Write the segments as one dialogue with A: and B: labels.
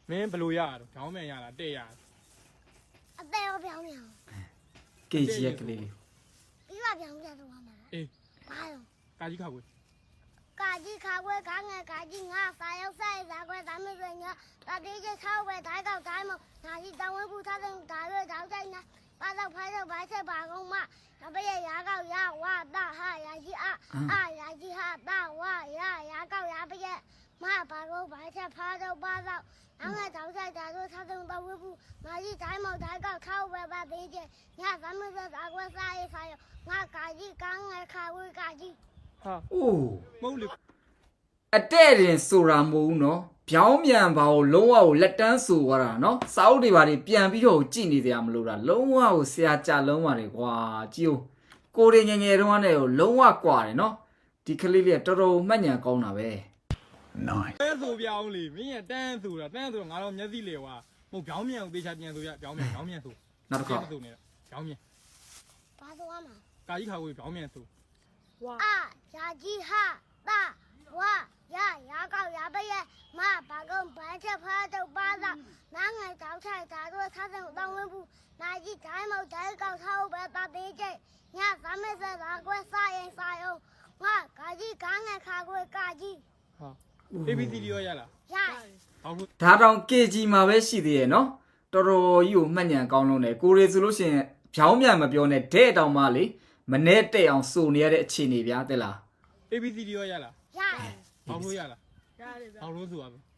A: မင်းဘလို့ရတော့ခေါင်းမြန်ရလားတဲ့ရ
B: အသေးရောပြောင်းပြောင်း
C: ကေဂျီရဲ့ကလေး
B: ပြီးပါပြောင်းပြတော့မှာ
A: အေး
B: ဘာလို့
A: ကာကြီးခါကွေး
B: ကာကြီးခါခွဲခါငယ်ကာကြီးငါစာရောက်ဆိုင်စာခွဲဒါမျိုးဆိုညာတတိကျခောက်ပဲဓာတ်ကောက်တိုင်းမနာကြီးတောင်းဝဲဘူးထားတဲ့ဒါရွေးတောင်းတိုင်းနာပါတော့ဖိုင်းတော့ဘာချက်ပါကုန်မနဘရဲ့ရာကောက်ရဝတာဟာရာကြီးအာရာကြီးဟာတာဝရာကောက်ရပရဲ့မပါတော့ဘာချက်ဖားတော့ပါတော့နောက်ငါတောင်းဆိုင်ဒါဆိုထားတဲ့တော့ဝဲဘူးနာကြီးတိုင်းမဓာတ်ကောက်ခောက်ပဲပါသေးချင်ညဒါမျိုးဆိုဒါခွဲစားရေးဆိုင်ငါကာကြီးကငယ်ခါဝဲကာကြီး
A: ဟာ
C: အိုး
A: မဟုတ်လေ
C: အတဲ့တင်ဆိုတာမဟုတ်ဘူးနော်ဗျောင်းမြန်ပါကိုလုံးဝကိုလက်တန်းဆိုသွားတာနော်စာအုပ်တွေပါတွေပြန်ပြီးတော့ကြည်နေကြမလို့တာလုံးဝကိုဆရာကြလုံးပါတယ်ကွာကြည့်ဦးကိုရီငယ်ငယ်တုန်းကနေကိုလုံးဝကွာတယ်နော်ဒီကလေးလေးကတော်တော်မှတ်ဉာဏ်ကောင်းတာပဲ
D: Nice.
A: ပဲဆိုပြောင်းလေမင်းရတန်းဆိုတာတန်းဆိုတော့ငါတော့မျက်စိလေကွာမဟုတ်ခေါင်းမြန်ကိုသေချာပြန်ဆိုရခေါင်းမြန်ဆို
C: နောက်တစ်ခါ
A: ဆိုနေတာခေါင်းမြန်
B: ဘာဆိုရမှာ
A: ကာကြီးခါကွေးခေါင်းမြန်ဆို
B: အာရာကြီးဟာတာဝရာကောက်ရပရဲ့မဘာကုန်ဘာချက်ဖားတော့ပါတော့နားငယ်တောက်ချိုက်ဒါတော့ထားတဲ့တောင်းဝင်းဘူးနာကြီးတိုင်းမဓာတ်ကောက်ထားပဲတာသေးကျညသာမဲစရာကွဲစားရင်စားအောင်ငါကာကြီးကငယ်ခါကွဲကာကြီး
A: ဟာ ABCD ရောရလား
B: ရ
A: ဟောက်လို့
C: ဒါတောင် KG မှာပဲရှိသေးရဲ့နော်တော်တော်ကြီးကိုမှတ်ဉာဏ်ကောင်းလုံးတယ်ကိုရီဆိုလို့ရှိရင်ဗျောင်းမြန်မပြောနဲ့တဲ့တောင်မှလေမနဲ့တဲ့အောင်စုံနေရတဲ့အခြေအနေဗျာတဲ့လား
A: ABCD ရောရလား
B: ရ
A: ဟောက်လို့ရလားရတယ်ဗျဟောက်လို့ဆိုရမယ်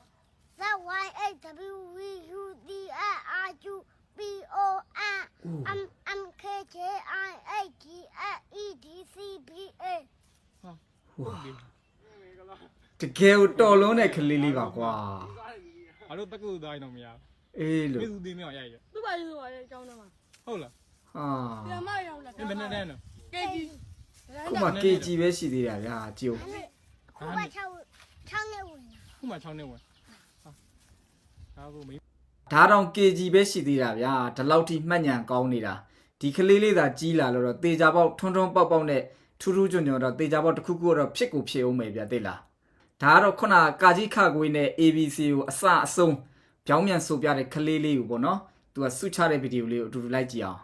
B: ZYHWUDRIGFEDCBA
A: ဟုတ်ပြီ
C: တကယ်ကိုတော်လုံးတဲ့ကလေးလေးပါကွာ
A: ငါတို့တက္ကသိုလ်သားရင်တော့မရ
C: အေး
A: ဘူး
C: လို့
A: ပြည်သူသေးမြောက်ရရ
E: သူ့ဘာလို့ဆိုရဲအကြောင်းတော့မှာ
A: ဟုတ်လား
C: ဟာ
E: ပြန်မရောက်လာ
A: မင်းဘယ်နဲ့တန်းတော့
E: ကေဂျီ
C: ခုမှ KG ပဲရှိသေးတာဗျာကြည့်ဦး
B: ခုမှ6နှစ်ဝင်
A: ခုမှ6နှစ်ဝင်ဟာဒါကိုမင်း
C: ဒါတောင် KG ပဲရှိသေးတာဗျာဒီလောက်ထိမှတ်ဉာဏ်ကောင်းနေတာဒီကလေးလေးသာကြီးလာလို့တော့တေချာပေါက်ထွန်းထွန်းပေါက်ပေါက်နဲ့ထူးထူးကြွကြွတော့တေချာပေါက်တစ်ခုခုတော့ဖြစ်ကိုဖြစ်အောင်မယ်ဗျာသိလားဒါကတော့ခုနကာကြီးခကွေးနဲ့ ABC ကိုအစအဆုံးပြောင်းမြန်ဆိုပြတဲ့ကလေးလေးကိုပေါ့နော်သူကဆုချတဲ့ဗီဒီယိုလေးကိုအတူတူလိုက်ကြည့်အောင်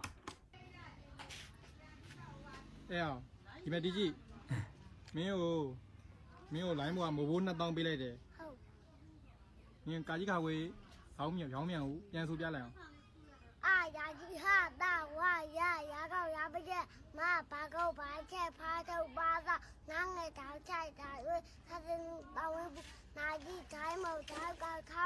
A: အဲ့အောင်ဒီမဲ့ဒီကြီးမင်းကိုလိုင်းဘောကမိုးဘိုး2000ပေးလိုက်တယ်
B: ဟုတ်
A: မင်းကာကြီးခါဝေးခေါင်းမြန်ခေါင်းမြန်ကိုပြန်ဆိုပြလိုက်အောင်
B: အာရာကြီးဟာတာဝရာကောက်ရပရဲ့မဘာကုန်ဘာချက်ဖားတော့ပါတော့နားငယ်တောက်ချိုက်တာရွေးသတဲ့တောင်းဝဲဘူးနာကြီးတိုင်းမဓာတ်ကောက်